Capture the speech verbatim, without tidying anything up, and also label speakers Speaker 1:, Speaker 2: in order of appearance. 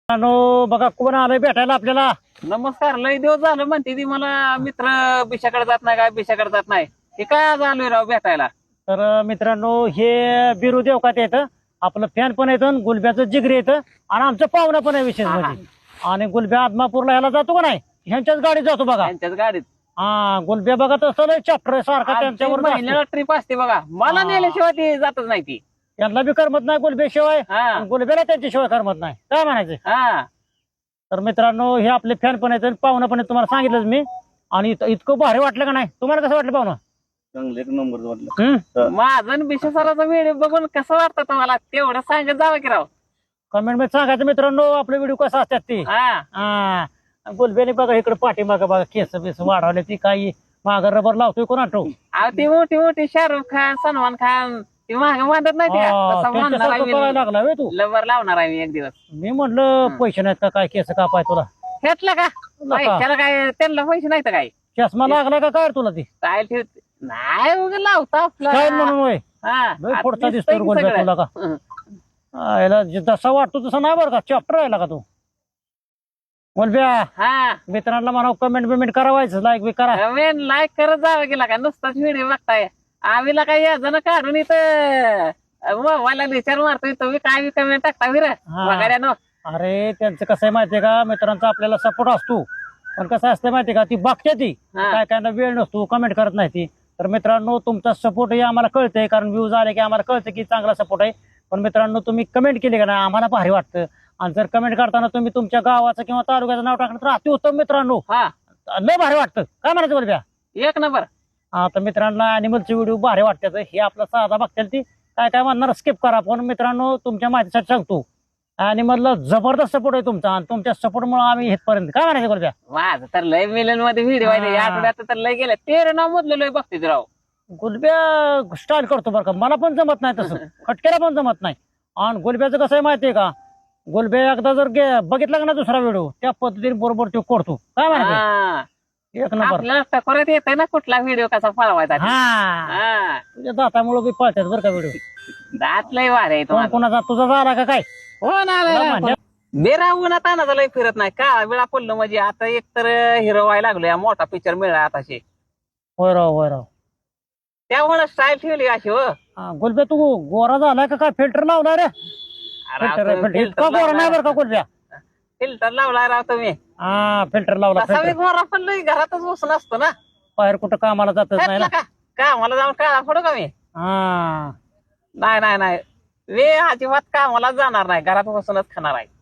Speaker 1: No बघा कोण आलंय भेटायला आपल्याला.
Speaker 2: नमस्कार. लय दिवस झालं म्हणते ती मला मित्र बिशाकडे जात नाही काय बिशाकडे जात नाही. हे काय आज आलोय राव भेटायला.
Speaker 1: तर मित्रांनो हे बिरू देवकात येतं, आपलं फॅन पण येतं, गुलब्याचं जिगरी येतं आणि आमचं पाहुणं पण आहे विशेष म्हणजे. आणि गुलब्या आदमापूरला ह्याला जातो का नाही, ह्यांच्याच गाडीत जातो बघा.
Speaker 2: त्यांच्याच गाडीत.
Speaker 1: हा गुलब्या बघा तसं चॅप्टर सारखा त्यांच्यावर
Speaker 2: महिन्याला ट्रिप असते बघा. मला नेल्याशिवाय ती जातच नाही ती.
Speaker 1: त्यांना बी करमत नाही गुलब्याशिवाय,
Speaker 2: हा
Speaker 1: गुलब्याला त्यांच्याशिवाय करमत नाही. काय म्हणायचं.
Speaker 2: हा
Speaker 1: तर मित्रांनो हे आपले फॅन पण आहेत, पाहुणं पण आहेत, तुम्हाला सांगितलंच मी. आणि इत- इतकं भारी वाटलं का नाही तुम्हाला, कसं वाटलं पाहुणं.
Speaker 3: चांगलं एक नंबर वाटलं.
Speaker 1: हम्म
Speaker 2: माझं बिशा सराचा व्हिडिओ बघून कसं वाटतं तुम्हाला तेवढं सांगत जावं की राव.
Speaker 1: कमेंट मध्ये सांगायचं मित्रांनो आपले व्हिडिओ कसा असतात ते.
Speaker 2: हा
Speaker 1: हा गुलब्याने बघा इकडे पाठीमागं बघा केस बिस वाढवले, ती काही माग रबर लावतोय कोण आठव.
Speaker 2: अहो ती मोठी मोठी शाहरुख खान सलमान खान ती माग बांधत नाही ती का? तसं बांधणार आहे
Speaker 1: करायला
Speaker 2: मी.
Speaker 1: लागला व्हय तू.
Speaker 2: लवर लावणार आहे मी एक दिवस.
Speaker 1: मी म्हटलं पैसे नाहीत का काय केस कापाय तुला.
Speaker 2: घेतलं का त्याला काय त्यांना पैसे नाही तर काय
Speaker 1: चष्मा लागला का काय तुला ती
Speaker 2: काय ठेवते नाही उगा लावता आपला.
Speaker 1: काय म्हणून होय.
Speaker 2: हा
Speaker 1: लय
Speaker 2: आता
Speaker 1: पुढचा
Speaker 2: दिसतंय
Speaker 1: दिसतो
Speaker 2: की
Speaker 1: गुलब्या
Speaker 2: सगळं.
Speaker 1: तुला का.
Speaker 2: हं.
Speaker 1: हा, याला जे जसा वाटतो तसा नाही बरं का, चॅप्टर राहिला का तू गुलब्या.
Speaker 2: हा
Speaker 1: मित्रांना म्हणा कमेंट बिमेंट करावायचं, लाईक बी करा.
Speaker 2: कमेंट लाईक करत जावं गेला का नुसताच व्हिडिओ बघताय. आम्हीला काही याजन काढून इथं मोबाईलला विचार मारतोय तुम्ही काय बी कमेंट टाकता विर बघायला.
Speaker 1: अरे त्यांचं कसं आहे माहितीये का, मित्रांचा आपल्याला सपोर्ट असतो, पण कसं असतं माहितीये का, ती बघते ती
Speaker 2: हा.
Speaker 1: काय काय वेळ नसतो, कमेंट करत नाही ती. तर मित्रांनो तुमचा सपोर्ट हे आम्हाला कळतंय, कारण व्ह्यूज आले की आम्हाला कळतं की चांगला सपोर्ट आहे. पण मित्रांनो तुम्ही कमेंट केली का नाही आम्हाला भारी वाटतं. आणि जर कमेंट करताना तुम्ही तुमच्या गावाचं किंवा तालुक्याचं नाव टाकलं तर अतिउत्तम मित्रांनो,
Speaker 2: हा
Speaker 1: लय भारी वाटतं. काय म्हणायचं बोलब्या.
Speaker 2: एक नंबर.
Speaker 1: आता मित्रांना अॅनिमलचे व्हिडिओ भारी वाटतात, हे आपला साधा बघतील ती काय काय म्हणणार स्किप करा. पण मित्रांनो तुमच्या माहितीसाठी सांगतो अॅनिमलला जबरदस्त सपोर्ट आहे तुमचा, आणि तुमच्या सपोर्टमुळे आम्ही इथपर्यंत. काय म्हणायचं बोलब्या.
Speaker 2: माझं तर लय मिलन मध्ये व्हिडिओ आहे या
Speaker 1: हा.
Speaker 2: आठवड्यात तर लय गेलं तेरे नाव मधलं लय बघते राव.
Speaker 1: गुलब्या स्टाईल करतो बरं का, मला पण जमत नाही तसं, खटक्याला पण जमत नाही. आणि गुलब्याचं कसं आहे माहितीये का, गुलब्या एकदा जर गे- बघितला का ना दुसरा व्हिडिओ त्या पद्धतीने बरोबर तो करतो. काय म्हणायचं.
Speaker 2: हा
Speaker 1: एक नंबर.
Speaker 2: आपल्याला टकोरात येतंय ना कुठला व्हिडिओ कसा पळवायचा ते.
Speaker 1: हा
Speaker 2: हा
Speaker 1: तुझ्या दातामुळे बी पळतात बरं का व्हिडिओ.
Speaker 2: दात लय वार आहे
Speaker 1: कोण
Speaker 2: तुम्हाला.
Speaker 1: कोणाचा तुझा झाला का काय.
Speaker 2: हो ना
Speaker 1: तुला म्हणलं.
Speaker 2: बेरा उन्हात तानाचा लय फिरत नाही का वेळा पडलं म्हणजे आता एक तर हिरो व्हायला लागलोय मोठा पिक्चर मिळाला आताशे
Speaker 1: होय राव होय राव.
Speaker 2: त्यामुळे स्टाईल ठेवली अशी. हो
Speaker 1: हा, गुलब्या तू गोरा झालाय का काय, फिल्टर लावला रे. फिल्टर इतका गोरा नाही बरं का गुलब्या.
Speaker 2: फिल्टर लावलाय राव तुम्ही.
Speaker 1: हा फिल्टर लावला.
Speaker 2: तसा मी
Speaker 1: filter.
Speaker 2: गोरा पण लय घरातच बसून असतो ना.
Speaker 1: बाहेर कुठं कामाला जातच नाही
Speaker 2: घेतला
Speaker 1: ना.
Speaker 2: का का मला जाऊन काळा पडू का मी.
Speaker 1: हा
Speaker 2: नाही नाही नाही वे अजिबात कामाला जाणार नाही घरात बसूनच खाणार आहे.